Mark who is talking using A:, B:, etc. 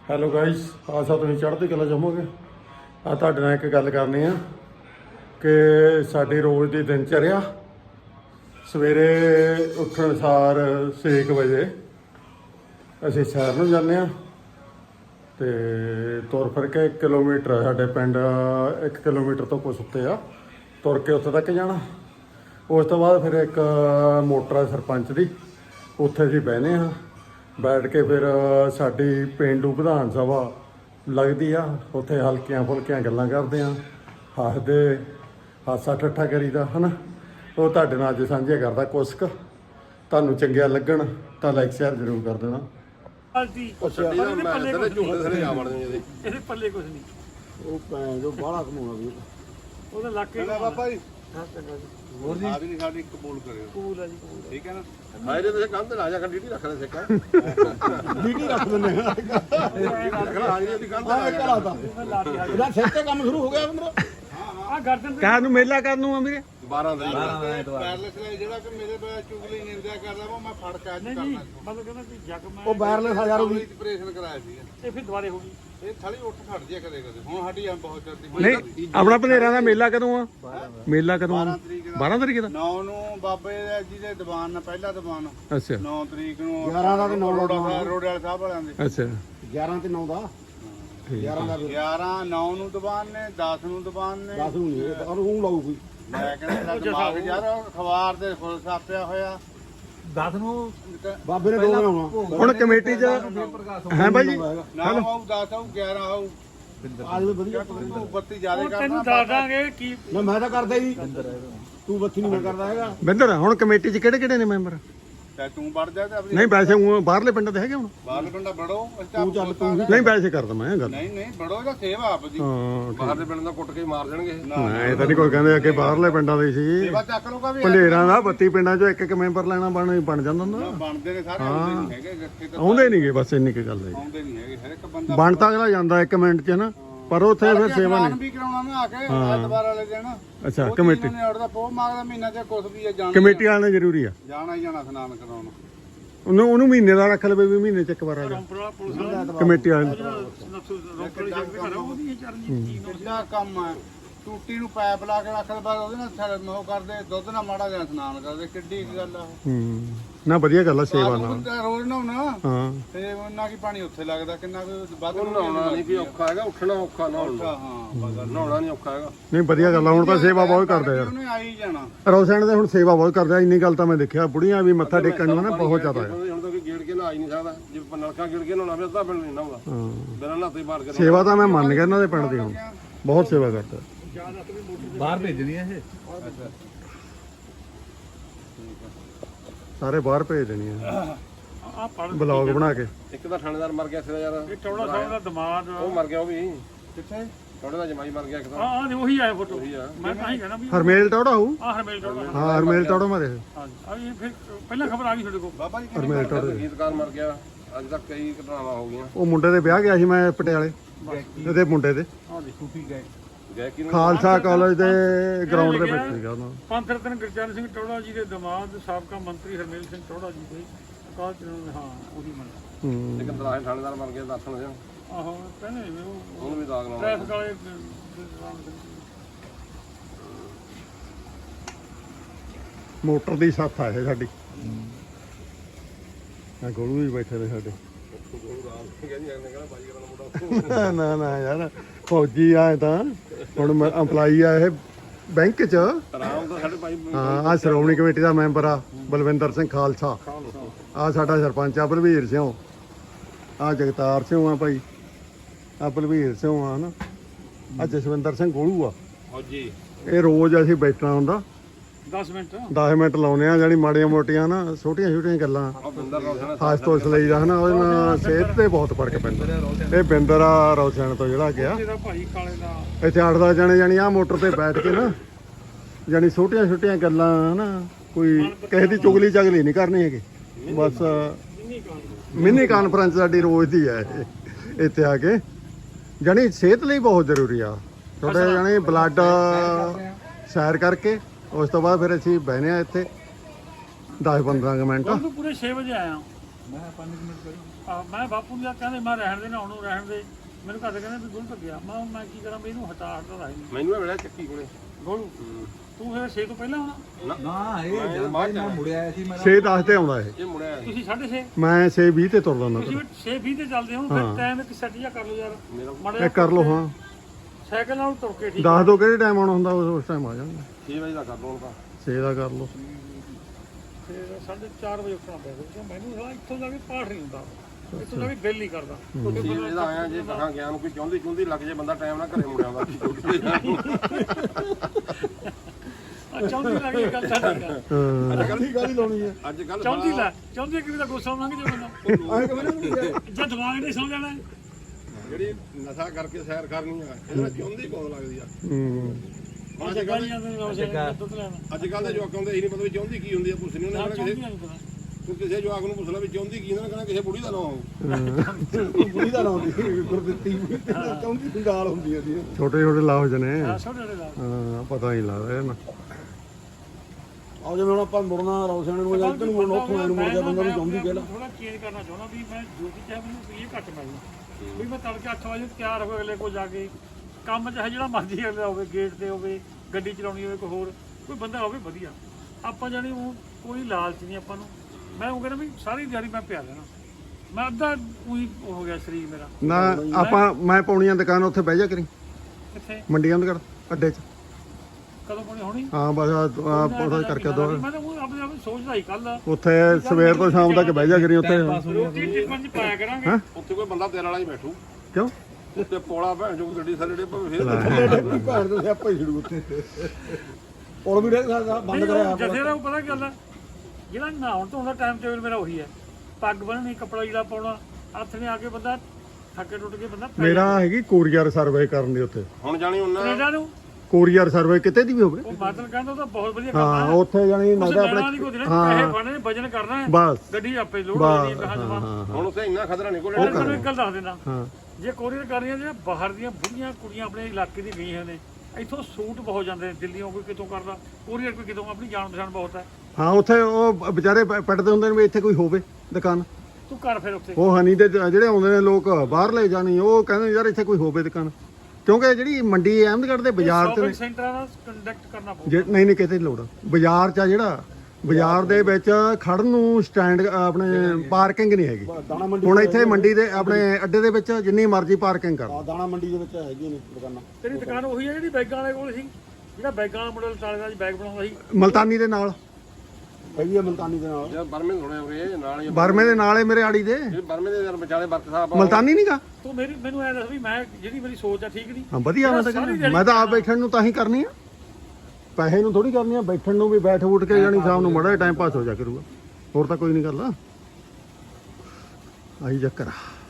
A: Hello guys, ਆਸਾ ਤੁਸੀਂ ਚੜ੍ਹਦੀ ਕਲਾ ਜਾਵੋਗੇ। ਆ ਤੁਹਾਡੇ ਨਾਲ ਇੱਕ ਗੱਲ ਕਰਨੀ ਆ ਕਿ ਸਾਡੀ ਰੋਜ਼ ਦੀ ਦਿਨਚਰਿਆ ਸਵੇਰੇ ਉੱਠਣ ਸਾਰ 6 ਵਜੇ ਅਸੀਂ ਸੈਰ ਨੂੰ ਜਾਂਦੇ ਹਾਂ ਤੇ ਤੁਰ ਫਿਰ ਕੇ 1 ਕਿਲੋਮੀਟਰ ਸਾਡੇ ਪਿੰਡ 1 ਕਿਲੋਮੀਟਰ ਤੋਂ ਕੁਛ ਉੱਤੇ ਆ, ਤੁਰ ਕੇ ਉੱਥੇ ਤੱਕ ਜਾਣਾ। ਉਸ ਤੋਂ ਬਾਅਦ ਫਿਰ ਇੱਕ ਮੋਟਰ ਆ ਸਰਪੰਚ ਦੀ, ਉੱਥੇ ਅਸੀਂ ਬਹਿੰਦੇ ਹਾਂ। ਬੈਠ ਕੇ ਫਿਰ ਸਾਡੀ ਪੇਂਡੂ ਵਿਧਾਨ ਸਭਾ ਲੱਗਦੀ ਆ, ਉੱਥੇ ਹਲਕੀਆਂ ਫੁਲਕੀਆਂ ਗੱਲਾਂ ਕਰਦੇ ਹਾਂ, ਹੱਸਦੇ ਹਾਸਾ ਠੱਠਾ ਕਰੀਦਾ ਹੈ ਨਾ। ਉਹ ਤੁਹਾਡੇ ਨਾਲ ਅੱਜ ਸਾਂਝੇ ਕਰਦਾ ਕੁਛ ਕੁ, ਤੁਹਾਨੂੰ ਚੰਗਿਆ ਲੱਗਣ ਤਾਂ ਲਾਈਕ ਸ਼ੇਅਰ ਜ਼ਰੂਰ ਕਰ ਦੇਣਾ।
B: ਇਹਦੇ ਪੱਲੇ ਕੁਝ ਨਹੀਂ,
A: ਉਹ ਭੈਣ ਜੋ ਬਾਹਲਾ ਕਮਾਉਣਾ ਵੀ
B: ਉਹਦਾ ਇਲਾਕੇ
C: ਬਾਬਾ ਜੀ
A: ਹੋਰ ਜੀ।
C: ਆ ਵੀ ਨਹੀਂ ਸਾਡੀ ਇੱਕ ਕਬੂਲ ਕਰਿਓ,
B: ਕੂਲ ਆ ਜੀ, ਕੂਲ
C: ਠੀਕ ਹੈ ਨਾ।
D: ਹਾਏ ਜੇ ਕੰਧ ਲਾ ਜਾ ਕਰ ਡੀਟੀ ਰੱਖ ਲੈ ਸਿੱਕਾ
A: ਡੀਟੀ ਰੱਖ ਦਿੰਦੇ ਆ
D: ਰੱਖਣਾ ਹਾਜ਼ਰੀ ਦੀ ਕੰਧ ਲਾ ਜਾ
A: ਕਰਾਤਾ ਇਹਦਾ ਸਿਰ ਤੇ ਕੰਮ ਸ਼ੁਰੂ ਹੋ ਗਿਆ ਬੰਦਰ।
B: ਆ ਗਰਦਨ
A: ਕਾਹ ਨੂੰ ਮੇਲਾ ਕਰਨ ਨੂੰ ਆ ਵੀਰੇ?
D: 12 ਤਰੀਕ
C: ਵਾਇਰਲੈਸ ਲਈ ਜਿਹੜਾ ਕਿ ਮੇਰੇ ਕੋਲ ਚੁਗਲੀ ਨਿੰਦਿਆ ਕਰਦਾ ਵਾ, ਮੈਂ ਫੜ ਕੇ ਅੱਜ
B: ਨਹੀਂ
C: ਕਰਨਾ
B: ਜੀ, ਮਤਲਬ ਕਹਿੰਦਾ ਕਿ ਜੱਗ ਮੈਂ
A: ਉਹ ਵਾਇਰਲੈਸ ਆ ਯਾਰ ਉਹ ਵੀ।
C: ਆਪਰੇਸ਼ਨ ਕਰਾਇਆ ਸੀ
B: ਇਹ ਫਿਰ ਦੁਬਾਰੇ ਹੋ ਗਈ।
C: ਇਹ ਥਲੀ ਉੱਠ ਖੜ ਜਿਆ ਕਦੇ ਕਦੇ, ਹੁਣ ਸਾਡੀ ਆ ਬਹੁਤ ਚੜਦੀ।
A: ਨਹੀਂ, ਆਪਣਾ ਭਨੇਰਾ ਦਾ ਮੇਲਾ ਕਦੋਂ ਆ? ਮੇਲਾ ਕਦੋਂ ਆ?
C: 12 ਤਰੀਕ ਦਾ
A: 12 ਤਰੀਕ ਦਾ।
C: 9 ਨੂੰ ਬਾਬੇ ਜੀ ਦੇ ਦੀਵਾਨ ਨਾਲ ਪਹਿਲਾ ਦੀਵਾਨ,
A: ਅੱਛਾ
C: 9 ਤਰੀਕ ਨੂੰ
A: 11 ਦਾ ਤੇ 9 ਦਾ
C: ਰੋਡ ਵਾਲੇ ਸਾਹਿਬ ਵਾਲਿਆਂ ਦੇ।
A: ਅੱਛਾ 11 ਤੇ 9 ਦਾ। 11 ਦਾ
C: 11 9 ਨੂੰ ਦੀਵਾਨ ਨੇ, 10 ਨੂੰ ਦੀਵਾਨ ਨੇ।
A: 10 ਨੂੰ ਨਹੀਂ ਔਰ ਉਹ ਲਾਊ ਕੋਈ।
C: ਮੈਂ ਕਹਿੰਦਾ ਦਿਮਾਗ ਯਾਰ ਅਖਬਾਰ ਦੇ ਫੁੱਲ ਛਾਪਿਆ ਹੋਇਆ।
B: 10 ਨੂੰ
A: ਬਾਬੇ ਨੇ 2 ਬਣਾਉਣਾ ਹੁਣ ਕਮੇਟੀ 'ਚ ਹੈ ਬਾਈ ਜੀ।
C: 9 ਆਊ, 10 ਆਊ, 11 ਆਊ।
A: ਆਜ ਵਧੀਆ
C: ਤੂੰ ਬੱਤੀ ਜ਼ਿਆਦਾ
B: ਉਹ
C: ਕਰਨਾ।
B: ਤੈਨੂੰ ਦੱਸ ਦਾਂਗੇ ਕੀ
A: ਨਾ ਮੈਂ ਤਾਂ ਕਰਦਾ ਹੀ ਤੂੰ ਬੱਤੀ ਨਹੀਂ ਮੈਂ ਕਰਦਾ ਹੈਗਾ ਬਿੰਦਰ। ਹੁਣ ਕਮੇਟੀ 'ਚ ਕਿਹੜੇ ਕਿਹੜੇ ਨੇ ਮੈਂਬਰ?
C: ਤੇ ਤੂੰ ਵੜ ਜਾ ਤੇ ਆਪਣੀ
A: ਨਹੀਂ ਵੈਸੇ ਉਹ ਬਾਹਰਲੇ ਪਿੰਡਾਂ ਦੇ ਹੈਗੇ ਹੁਣ।
C: ਬਾਹਰ ਪਿੰਡਾ ਬੜੋ।
A: ਤੂੰ ਚੱਲ ਤੂੰ ਨਹੀਂ ਵੈਸੇ ਕਰਦਾ ਮੈਂ ਗੱਲ।
C: ਨਹੀਂ ਨਹੀਂ ਬੜੋ ਇਹਦਾ ਸੇਵਾ ਆਪ ਦੀ।
A: ਹਾਂ
D: ਬਾਹਰ ਦੇ ਪਿੰਡ ਦਾ ਕੁੱਟ ਕੇ ਮਾਰ ਜਾਣਗੇ।
A: ਨਾ ਇਹ ਤਾਂ ਨਹੀਂ ਕੋਈ ਕਹਿੰਦੇ ਅੱਗੇ ਬਾਹਰਲੇ ਪਿੰਡਾਂ ਦੇ ਸੀ।
C: ਸੇਵਾ ਚੱਕ ਲੂਗਾ ਵੀ।
A: ਭੰਡੇਰਾਂ ਦਾ 32 ਪਿੰਡਾਂ 'ਚੋਂ ਇੱਕ ਮੈਂਬਰ ਲੈਣਾ ਬਣ ਜਾਂਦਾ ਹੁੰਦਾ।
C: ਬਣਦੇ ਨੇ ਸਾਰੇ, ਆਉਂਦੇ ਨਹੀਂ ਹੈਗੇ ਜਿੱਥੇ ਤੱਕ
A: ਆਉਂਦੇ ਨਹੀਂਗੇ, ਬਸ ਇੰਨੀ ਕੁ ਗੱਲ ਹੈ।
C: ਆਉਂਦੇ ਨਹੀਂ ਹੈਗੇ। ਹਰ ਇੱਕ ਬੰਦਾ
A: ਬਣ ਤਾਂ ਅਗਲਾ ਜਾਂਦਾ 1 ਮਿੰਟ 'ਚ ਨਾ, ਪਰ ਉੱਥੇ ਫਿਰ ਸੇਵਾ
C: ਨਹੀਂ
A: ਨਹੀਂ।
C: ਵੀ ਕਰਾਉਣਾ ਨਾ ਆ ਕੇ ਐਤਵਾਰ ਵਾਲੇ ਦਿਨ।
A: ਅੱਛਾ ਕਮੇਟੀ
C: ਨੇ ਆਰਡਰ ਪੋ ਮਾਗਦਾ ਮਹੀਨਾ ਚ ਕੁਝ ਵੀ ਆ ਜਾਣਾ
A: ਕਮੇਟੀ ਵਾਲੇ ਨੇ ਜ਼ਰੂਰੀ ਆ।
C: ਜਾਣਾ ਹੀ ਜਾਣਾ ਇਸ਼ਨਾਨ ਕਰਾਉਣ।
A: ਉਹਨੂੰ ਮਹੀਨੇ ਦਾ ਰੱਖ ਲਵੇ ਵੀ ਮਹੀਨੇ 'ਚ ਇੱਕ ਵਾਰ ਆ ਜਾ
B: ਪੁਲਿਸ ਵਾਲਾ
A: ਕਮੇਟੀ ਵਾਲੇ ਨੂੰ।
B: ਰੋਕੜੀ ਸ਼ਕਤੀ ਘਰ ਉਹਦੀ ਇਹ ਚਰਨੀ
C: ਕਿੰਨਾ ਕੰਮ ਹੈ। ਟੂਟੀ ਨੂੰ ਪਾਈਪ ਲਾ ਕੇ ਰੱਖਦੇ, ਬਾਅਦ ਉਹਦੇ ਨਾਲ ਮੋਹ ਕਰਦੇ, ਦੁੱਧ ਨਾਲ ਮਾੜਾ ਜਿਹਾ ਇਸ਼ਨਾਨ ਕਰਦੇ। ਕਿੱਡੀ ਕੁ ਗੱਲ ਆ ਉਹ।
A: ਨਾ ਵਧੀਆ ਗੱਲ ਆ ਸੇਵਾ ਨਾਲ।
C: ਤੂੰ ਤਾਂ ਰੋਜ਼ ਨਹਾਉਣਾ
A: ਹਾਂ
C: ਤੇ ਉਹਨਾਂ ਕੀ ਪਾਣੀ ਉੱਥੇ ਲੱਗਦਾ, ਕਿੰਨਾ ਕੁ ਵੱਧ
D: ਨਹਾਉਣਾ ਨਹੀਂ ਕੋਈ ਔਖਾ ਹੈਗਾ, ਉੱਠਣਾ ਔਖਾ ਨਹਾਉਣਾ।
C: ਹਾਂ
D: ਨਹਾਉਣਾ ਨਹੀਂ ਔਖਾ ਹੈਗਾ।
A: ਨਹੀਂ ਵਧੀਆ ਗੱਲ ਆ। ਹੁਣ ਤਾਂ ਸੇਵਾ ਬਹੁਤ ਕਰਦੇ ਯਾਰ।
C: ਉਹਨੇ ਆਈ ਜਾਣਾ।
A: ਰੋਸੈਣ ਦੇ ਹੁਣ ਸੇਵਾ ਬਹੁਤ ਕਰਦੇ ਆ। ਇੰਨੀ ਗੱਲ ਤਾਂ ਮੈਂ ਦੇਖਿਆ, ਬੁੜੀਆਂ ਵੀ ਮੱਥਾ ਟੇਕਣ ਨੂੰ ਨਾ ਬਹੁਤ ਜ਼ਿਆਦਾ ਆ।
D: ਹੁਣ ਤਾਂ ਕੋਈ ਗੇੜ ਕੇ ਨਹਾ ਹੀ ਨਹੀਂ ਸਕਦਾ। ਜੇ ਨਲਕਾ ਗੇੜ ਕੇ ਨਹਾਉਣਾ ਫਿਰ ਅੱਧਾ ਪਿੰਡ ਨਹੀਂ ਨਹਾਉਂਦਾ।
A: ਹਾਂ
D: ਬਿਨਾਂ ਨਹਾਤੇ ਮਾਰ ਕੇ
A: ਸੇਵਾ ਤਾਂ ਮੈਂ ਮੰਨ ਗਿਆ ਇਹਨਾਂ ਦੇ ਪਿੰਡ ਦੀ, ਹੁਣ ਬਹੁਤ ਸੇਵਾ ਕਰਦਾ।
B: ਬਾਹਰ ਭੇਜਣੀ ਹੈ ਇਹ।
A: ਸਾਰੇ ਬਾਹਰ ਭੇਜ ਦੇਣੀ ਆ
B: ਆ ਪੜ
A: ਬਲੌਗ ਬਣਾ ਕੇ।
D: ਇੱਕ ਤਾਂ ਥਾਣੇਦਾਰ ਮਰ ਗਿਆ ਸੀ ਯਾਰ,
B: ਇਹ ਚੌੜਾ ਸਾਹਿਬ ਦਾ ਦਿਮਾਗ।
D: ਉਹ ਮਰ ਗਿਆ। ਉਹ ਵੀ
C: ਕਿੱਥੇ
D: ਥੋੜੇ ਦਾ ਜਮਾਈ ਮਰ ਗਿਆ ਇੱਕ ਤਾਂ।
B: ਆ ਉਹੀ ਆਇਆ ਫੋਟੋ।
D: ਉਹੀ ਆ।
B: ਮੈਂ ਤਾਂ ਹੀ ਕਹਿਣਾ ਵੀ
A: ਹਰਮੇਲ ਟੌੜਾ ਹੋਊ।
B: ਆ ਹਰਮੇਲ ਚੌੜਾ।
A: ਹਾਂ ਹਰਮੇਲ ਟੌੜਾ ਮਾਰੇ।
B: ਹਾਂਜੀ ਆ ਇਹ ਫਿਰ ਪਹਿਲਾਂ ਖਬਰ ਆ ਗਈ ਤੁਹਾਡੇ ਕੋਲ।
C: ਬਾਬਾ ਜੀ
A: ਹਰਮੇਲ ਟੌੜੇ
D: ਗੀਤਕਾਰ ਮਰ ਗਿਆ। ਅੱਜ ਤੱਕ ਕਈ ਘਟਨਾਵਾਂ ਹੋ ਗਈਆਂ।
A: ਉਹ ਮੁੰਡੇ ਦੇ ਵਿਆਹ ਗਿਆ ਸੀ ਮੈਂ ਪਟਿਆਲੇ, ਇਹਦੇ ਮੁੰਡੇ ਦੇ
B: ਆ ਦੇਖੋ ਕੀ ਗਏ
D: ਗਾਇਕੀ ਨੂੰ
A: ਖਾਲਸਾ ਕਾਲਜ ਦੇ ਗਰਾਊਂਡ ਦੇ ਵਿੱਚ ਸੀਗਾ ਉਹਨਾਂ।
B: ਪੰਥ ਰਤਨ ਗੁਰਚਰਨ ਸਿੰਘ ਟੌੜਾ ਜੀ ਦੇ ਦਿਮਾਗ ਸਾਬਕਾ ਮੰਤਰੀ ਹਰਮੇਲ ਸਿੰਘ ਟੌੜਾ ਜੀ ਦੇ ਅਕਾਲ ਚਲਾਣ। ਹਾਂ ਉਹੀ ਮੰਨ।
D: ਇੱਕ ਦਰਾਹੇ ਥਾਣੇਦਾਰ ਮਰ ਗਿਆ ਦਰਸ਼ਨ ਸਿੰਘ।
B: ਆਹੋ ਕਹਿੰਦੇ ਵੀ ਉਹ
D: ਉਹਨੂੰ ਵੀ ਦਾਗ ਲਾਉਣਾ।
B: ਟ੍ਰੈਫਿਕ ਵਾਲੇ
A: ਮੋਟਰ ਦੀ ਸੱਥ ਆ ਇਹ ਸਾਡੀ। ਆ ਗੋਲੂ ਵੀ ਬੈਠੇ ਨੇ ਸਾਡੇ। ਨਾ ਨਾ ਯਾਰ ਫੌਜੀ ਆਏ ਤਾਂ ਹੁਣ ਐਮਪਲਾਈ ਆ ਇਹ ਬੈਂਕ 'ਚ।
D: ਆਰਾਮ ਤਾਂ ਸਾਡੇ ਭਾਈ
A: ਹਾਂ ਆ ਸ਼੍ਰੋਮਣੀ ਕਮੇਟੀ ਦਾ ਮੈਂਬਰ ਆ ਬਲਵਿੰਦਰ ਸਿੰਘ ਖਾਲਸਾ। ਆ ਸਾਡਾ ਸਰਪੰਚ ਆ ਬਲਵੀਰ ਸਿੰਘ। ਆ ਜਗਤਾਰ ਸਿੰਘ ਆ ਭਾਈ। ਆ ਬਲਵੀਰ ਸਿੰਘ ਆ ਨਾ। ਆ ਜਸਵਿੰਦਰ ਸਿੰਘ ਗੋਲੂ ਆ।
D: ਫੌਜੀ
A: ਇਹ ਰੋਜ਼ ਅਸੀਂ ਬੈਠਣਾ ਹੁੰਦਾ
B: 10 ਮਿੰਟ
A: 10 ਮਿੰਟ ਲਾਉਨੇ ਆ, ਜਾਨੀ ਮਾੜੀਆਂ ਮੋਟੀਆਂ ਨਾ ਛੋਟੀਆਂ ਛੋਟੀਆਂ ਗੱਲਾਂ
D: ਉਹ ਬਿੰਦਰ ਰੋਸ਼ਨ
A: ਖਾਸ ਤੋਸ ਲਈਦਾ ਹਨਾ। ਉਹਦੇ ਨਾਲ ਸਿਹਤ ਤੇ ਬਹੁਤ ਫਰਕ ਪੈਂਦਾ। ਇਹ ਬਿੰਦਰ ਆ ਰੌਸ਼ਨ ਤੋਂ ਜਿਹੜਾ ਗਿਆ।
B: ਇਹਦਾ ਭਾਈ ਕਾਲੇ ਦਾ
A: ਇੱਥੇ 8-10 ਜਣੇ ਜਾਨੀ ਆ ਮੋਟਰ ਤੇ ਬੈਠ ਕੇ ਨਾ ਜਾਨੀ ਛੋਟੀਆਂ ਛੋਟੀਆਂ ਗੱਲਾਂ ਹਨਾ, ਕੋਈ ਕਿਸੇ ਦੀ ਚੁਗਲੀ ਚਗਲੀ ਨਹੀਂ ਕਰਨੀ ਹੈਗੀ। ਬਸ ਮਿੰਨੀ ਕਾਨਫਰੰਸ ਸਾਡੀ ਰੋਜ਼ ਦੀ ਹੈ ਇਹ। ਇੱਥੇ ਆ ਕੇ ਜਾਨੀ ਸਿਹਤ ਲਈ ਬਹੁਤ ਜ਼ਰੂਰੀ ਆ। ਥੋੜਾ ਜਾਨੀ ਬਲੱਡ ਸੈਰ ਕਰਕੇ ਉਸ ਤੋਂ ਬਾਅਦ ਫਿਰ ਅਸੀਂ ਬਹਿਨੇ ਆ ਇੱਥੇ 10-15 ਮਿੰਟ।
B: ਕੱਲ ਨੂੰ ਪੂਰੇ 6 ਵਜੇ ਆਇਆ।
C: ਮੈਂ 5 ਮਿੰਟ ਪਹਿਲਾਂ
B: ਮੈਂ ਬਾਪੂ ਨੂੰ ਕਹਿੰਦੇ ਮੈਂ ਰਹਿਣ ਦੇ ਨਹਾਉਣ ਨੂੰ ਰਹਿਣ ਦੇ, ਮੈਨੂੰ ਘਰ ਦੇ ਕਹਿੰਦੇ ਵੀ ਗੁਲ ਗਿਆ। ਮੈਂ ਕੀ ਕਰਾਂ ਵੀ ਇਹਨੂੰ ਹਟਾ ਰਹੀ
D: ਮੈਨੂੰ ਇਹ ਵੇਲੇ ਚੱਕੀ ਕੋਲੇ
B: ਗੋਲੂ ਤੂੰ ਫਿਰ 6 ਤੋਂ ਪਹਿਲਾਂ ਆਉਣਾ।
C: ਨਾ ਇਹ ਮੈਂ ਮੁੜਿਆ ਆਇਆ ਸੀ।
A: 6:10 ਤੇ ਆਉਂਦਾ ਇਹ,
D: ਇਹ ਮੁੜਿਆ
B: ਤੁਸੀਂ 6:30
A: ਮੈਂ 6:20 ਤੇ ਤੁਰਦਾ ਹੁੰਦਾ।
B: ਤੁਸੀਂ 6:20 ਤੇ ਚੱਲਦੇ ਹੋ, ਫਿਰ ਟਾਈਮ ਇੱਕ ਸੈੱਟ ਜਿਹਾ ਕਰ ਲਓ ਯਾਰ ਮਾੜਾ
A: ਇਹ ਕਰ ਲਓ ਹਾਂ,
B: ਸਾਈਕਲ ਨਾਲ ਤੁਰ ਕੇ ਠੀਕ।
A: ਦੱਸ ਦੋ ਕਿਹੜੇ ਟਾਈਮ ਆਉਣਾ ਹੁੰਦਾ, ਉਸ ਟਾਈਮ ਆ ਜਾਵਾਂਗੇ।
D: 6 ਵਜੇ ਦਾ ਕਰ ਲਓ ਹੁਣ ਤਾਂ
A: 6 ਦਾ ਕਰ ਲਓ।
B: ਫਿਰ 4:30 ਵਜੇ ਉੱਠਣਾ ਪੈਂਦਾ ਕਿਉਂ ਮੈਨੂੰ ਸਾਲਾ ਇੱਥੋਂ ਜਾ ਕੇ ਪਾਠ ਨਹੀਂ ਹੁੰਦਾ, ਇੱਥੋਂ ਜਾ ਕੇ ਦਿਲ ਨਹੀਂ ਕਰਦਾ।
D: 6 ਵਜੇ ਦਾ ਆਇਆ ਜੇ ਕਹਾਂ ਗਿਆ ਨੂੰ ਕੋਈ ਚਾਹੁੰਦੀ ਲੱਗ ਜੇ ਬੰਦਾ ਟਾਈਮ ਨਾਲ ਘਰੇ ਮੁੜ ਆਉਂਦਾ।
B: ਚਾਹੁੰਦੀ ਲੱਗੀ ਗੱਲ ਸਾਡੀ
D: ਅੱਜ ਕੱਲ੍ਹ
A: ਗੱਲ ਹੀ ਲਾਉਣੀ ਹੈ।
D: ਅੱਜ ਕੱਲ੍ਹ
B: ਚਾਹੁੰਦੀ ਕਿ ਵੀ ਤਾਂ ਗੁੱਸਾ ਲੰਘ ਜੇ ਬੰਦਾ ਜੇ ਦਿਮਾਗ ਨਹੀਂ ਸੌ ਜਾਣਾ।
D: ਜਿਹੜੀ ਨਸ਼ਾ ਕਰਕੇ ਸੈਰ ਕਰਨੀ ਆ ਇਹਦੇ ਨਾਲ ਚਾਹੁੰਦੀ ਬਹੁਤ ਲੱਗਦੀ ਆ।
B: ਅੱਜ ਕੱਲ੍ਹ
D: ਅੱਜ ਕੱਲ੍ਹ ਦੇ ਜਵਾਕਾਂ ਦੇ ਇਹ ਨਹੀਂ ਪਤਾ ਵੀ ਚਾਹੁੰਦੀ ਕੀ ਹੁੰਦੀ ਆ। ਕੁਛ ਨਹੀਂ ਉਹਨਾਂ ਨੇ ਕਿਸੇ ਤੂੰ ਕਿਸੇ ਜਵਾਕ ਨੂੰ ਪੁੱਛ ਲੈ ਵੀ ਚਾਹੁੰਦੀ ਕੀ, ਇਹਨਾਂ ਨੇ ਕਹਿਣਾ ਕਿਸੇ ਬੁੜੀ ਦਾ ਨਾਮ ਹੋਊ।
C: ਬੁੜੀ ਦਾ ਨਾਮ ਨਹੀਂ ਗੁਰਦਿੱਤੀ ਚਾਹੁੰਦੀ ਸਿੰਗਾਲ ਹੁੰਦੀ ਹੈ ਜੀ।
A: ਛੋਟੇ ਛੋਟੇ ਲਾਭ ਨੇ,
B: ਹਾਂ
A: ਪਤਾ ਨਹੀਂ ਲੱਗਦਾ ਇਹਨਾਂ।
C: ਆਓ ਜਿਵੇਂ ਹੁਣ ਆਪਾਂ ਮੁੜਨਾ ਰੌਸ਼ਨ ਨੂੰ ਜਾਂ ਇੱਧਰ ਨੂੰ ਮੁੜਨਾ, ਉੱਥੋਂ ਨੂੰ ਮੁੜ ਜਾ ਬੰਦਾ ਨੂੰ ਚਾਹੁੰਦੀ ਪਹਿਲਾਂ।
B: ਥੋੜਾ ਚੇਂਜ ਕਰਨਾ ਚਾਹੁੰਦਾ ਵੀ ਮੈਂ ਜੋ ਵੀ ਚਾਹ ਮੈਨੂੰ ਇਹ ਘੱਟ ਮਿਲਣਾ ਵੀ ਮੈਂ ਤੜਕੇ 8 ਵਜੇ ਤਿਆਰ ਹੋ ਅਗਲੇ ਕੋਲ ਜਾ ਕੇ ਕੰਮ ਚਾਹੇ ਜਿਹੜਾ ਮਰਜ਼ੀ ਅਗਲਾ ਹੋਵੇ, ਗੇਟ ਤੇ ਹੋਵੇ, ਗੱਡੀ ਚਲਾਉਣੀ ਹੋਵੇ, ਕੋਈ ਹੋਰ ਕੋਈ ਬੰਦਾ ਹੋਵੇ ਵਧੀਆ। ਆਪਾਂ ਜਾਣੀ ਉਹ ਕੋਈ ਲਾਲਚ ਨਹੀਂ ਆਪਾਂ ਨੂੰ। ਮੈਂ ਉਹ ਕਹਿੰਦਾ ਵੀ ਸਾਰੀ ਦਿਹਾੜੀ ਮੈਂ ਪਿਆ ਲੈਣਾ, ਮੈਂ ਅੱਧਾ ਉਹੀ ਹੋ ਗਿਆ ਸਰੀਰ ਮੇਰਾ
A: ਨਾ ਆਪਾਂ ਮੈਂ ਪਾਉਣੀਆਂ ਦੁਕਾਨ ਉੱਥੇ ਬਹਿ ਜਾ ਕਰੀ
B: ਕਿੱਥੇ
A: ਮੰਡੀਆਂ ਦੇ ਅੱਡੇ 'ਚ।
B: ਕਦੋਂ ਪਾਉਣੀ ਹੋਣੀ?
A: ਹਾਂ ਬਸ ਪਤਾ ਕਰਕੇ ਦੋ
B: ਮੈਂ ਤਾਂ ਉਹ ਆਪਣੇ ਆਪ ਨੂੰ ਸੋਚਦਾ ਹੀ ਕੱਲ
A: ਉੱਥੇ ਸਵੇਰ ਤੋਂ ਸ਼ਾਮ ਤੱਕ ਬਹਿ ਜਾ ਕਰੀ ਉੱਥੇ।
B: ਰੋਟੀ ਟਿਫਨ ਚ ਪਾਇਆ ਕਰਾਂਗੇ।
D: ਉੱਥੇ ਕੋਈ ਬੰਦਾ ਤੇਰੇ ਵਾਲਾ ਹੀ ਬੈਠੂ।
A: ਕਿਉਂ
D: ਉੱਤੇ ਪੋਲਾ ਭੈਣ ਜੋ ਗੱਡੀ ਥੱਲੇ ਡੇ ਫੇਰ
C: ਭੈਣ ਤੋਂ ਸਿਆਪਾ ਹੀ ਛੜੂ ਉੱਥੇ ਪੁਲ ਵੀ ਬੰਦ ਕਰਿਆ।
B: ਜਥੇਰਾ ਪਤਾ ਕੀ ਗੱਲ ਹੈ, ਜਿਹੜਾ ਨਹਾਉਣ ਧੋਣ ਦਾ ਟਾਈਮ ਟੇਬਲ ਮੇਰਾ ਉਹੀ ਹੈ। ਪੱਗ ਬੰਨਣੀ, ਕੱਪੜਾ ਜਿਹੜਾ ਪਾਉਣਾ, ਹੱਥ ਨੇ ਆ ਕੇ ਬੰਦਾ ਥੱਕੇ ਟੁੱਟ ਕੇ ਬੰਦਾ
A: ਮੇਰਾ ਹੈਗੀ ਕੋਰੀਅਰ ਸਰਵੇ ਕਰਨ ਦੀ ਉੱਥੇ।
D: ਹੁਣ ਜਾਣੀ ਉਹਨਾਂ
B: ਕੈਨੇਡਾ ਨੂੰ
A: ਕੋਰੀਅਰ ਸਰਵੇ ਕਿਤੇ ਦੀ ਵੀ ਹੋਵੇ।
B: ਉਹ ਬਾਦਲ ਕਹਿੰਦਾ ਉਹ ਤਾਂ ਬਹੁਤ ਵਧੀਆ ਕੰਮ
A: ਹਾਂ
B: ਹੈ।
A: ਉੱਥੇ ਜਾਣੀ ਨਾ
B: ਆਪਣੇ
A: ਆਪਣੇ
B: ਪੈਸੇ ਫੜਨੇ, ਵਜਨ ਕਰਨਾ ਹੈ,
A: ਬਸ
B: ਗੱਡੀ ਆਪੇ ਲੋਡ ਹੋ ਜਾਣੀ ਕਹਾਂ ਜਮਾ।
D: ਹੁਣ ਉੱਥੇ ਇੰਨਾ ਖਤਰਾ ਨਹੀਂ ਕੋਲੇ।
B: ਮੈਨੂੰ ਇੱਕ ਗੱਲ ਦੱਸ ਦੇਣਾ,
A: ਹਾਂ
B: ਜੇ ਕੋਰੀਅਰ ਕਰ ਰਹੀਆਂ ਜਿਹੜੇ ਬਾਹਰ ਦੀਆਂ ਬੁੜੀਆਂ ਕੁੜੀਆਂ ਆਪਣੇ ਇਲਾਕੇ ਦੀ ਗਈਆਂ ਨੇ, ਇੱਥੋਂ ਸੂਟ ਬਹੁਤ ਜਾਂਦੇ ਨੇ, ਦਿੱਲੀੋਂ ਕੋਈ ਕਿਤੋਂ ਕਰਦਾ ਕੋਰੀਅਰ, ਕੋਈ ਕਿਤੋਂ, ਆਪਣੀ ਜਾਣ ਪਛਾਣ ਬਹੁਤ ਹੈ।
A: ਹਾਂ ਉੱਥੇ ਉਹ ਵਿਚਾਰੇ ਪਿੱਟਦੇ ਹੁੰਦੇ ਨੇ ਵੀ ਇੱਥੇ ਕੋਈ ਹੋਵੇ ਦੁਕਾਨ।
B: ਤੂੰ ਕਰ ਫਿਰ ਉੱਥੇ।
A: ਉਹ ਹਨੀ ਦੇ ਜਿਹੜੇ ਆਉਂਦੇ ਨੇ ਲੋਕ ਬਾਹਰ ਲੈ ਜਾਣੀ, ਉਹ ਕਹਿੰਦੇ ਯਾਰ ਇੱਥੇ ਕੋਈ ਹੋਵੇ ਦੁਕਾਨ, ਕਿਉਂਕਿ ਜਿਹੜੀ ਮੰਡੀ ਅਹਿਮਦਗੜ੍ਹ ਦੇ ਬਾਜ਼ਾਰ 'ਚ
B: ਸ਼ਾਪਿੰਗ ਸੈਂਟਰਾਂ ਦਾ ਕੰਡਕਟ ਕਰਨਾ ਪਊ।
A: ਨਹੀਂ ਨਹੀਂ ਕਿਤੇ ਲੋੜ ਬਾਜ਼ਾਰ 'ਚ ਆ, ਜਿਹੜਾ ਬਾਜ਼ਾਰ ਦੇ ਵਿੱਚ ਖੜਨ ਨੂੰ ਸਟੈਂਡ ਆਪਣੇ ਪਾਰਕਿੰਗ ਨਹੀਂ ਹੈਗੀ। ਹੁਣ ਇੱਥੇ ਮੰਡੀ ਦੇ ਆਪਣੇ ਅੱਡੇ ਦੇ ਵਿੱਚ ਜਿੰਨੀ ਮਰਜ਼ੀ ਪਾਰਕਿੰਗ ਕਰ।
C: ਦਾਣਾ ਮੰਡੀ ਦੇ ਵਿੱਚ ਹੈਗੀਆਂ ਨੇ ਦੁਕਾਨਾਂ।
B: ਤੇਰੀ ਦੁਕਾਨ ਉਹੀ ਹੈ ਜਿਹੜੀ ਬੈਗਾਂ ਵਾਲੇ ਕੋਲ ਸੀ, ਜਿਹੜਾ ਬੈਗਾਂ ਵਾਲਾ ਮੁੰਡਾ ਲਟਾਲੇ ਦਾ ਬੈਗ ਬਣਾਉਂਦਾ ਸੀ
A: ਮਲਤਾਨੀ ਦੇ ਨਾਲ।
C: ਹੈਗੀ ਆ ਮਲਤਾਨੀ ਦੇ ਨਾਲ।
D: ਯਾਰ ਬਰਮੇ ਥੋੜੇ ਉਰੇ ਨਾਲ ਹੀ
A: ਬਰਮੇ ਦੇ ਨਾਲ ਹੈ ਮੇਰੇ ਆੜੀ ਦੇ।
D: ਇਹ ਬਰਮੇ ਦੇ ਯਾਰ ਵਿਚਾਲੇ ਵਰਕ ਸਾਹਿਬ
A: ਮਲਤਾਨੀ ਨਹੀਂਗਾ।
B: ਤੂੰ ਮੈਨੂੰ ਐ ਦੱਸ ਵੀ ਮੈਂ ਜਿਹੜੀ ਮੇਰੀ ਸੋਚ ਆ ਠੀਕ ਨਹੀਂ?
A: ਹਾਂ ਵਧੀਆ, ਮੈਂ ਤਾਂ ਕਹਿੰਦਾ ਮੈਂ ਤਾਂ ਆਪ ਬੈਠਣ ਨੂੰ ਤਾਂ ਹੀ ਕਰਨੀ ਆ, ਪੈਸੇ ਨੂੰ ਥੋੜੀ ਕਰਨੀ ਆ। ਬੈਠਣ ਨੂੰ ਵੀ ਬੈਠ ਉੱਠ ਕੇ ਜਾਣੀ ਸ਼ਾਮ ਨੂੰ ਮੜਾ ਟਾਈਮ ਪਾਸ ਹੋ ਜਾ ਕਰੂਗਾ, ਹੋਰ ਤਾਂ ਕੋਈ ਨਹੀਂ ਕਰਦਾ। ਆਹੀ ਚੱਕਰ ਆ।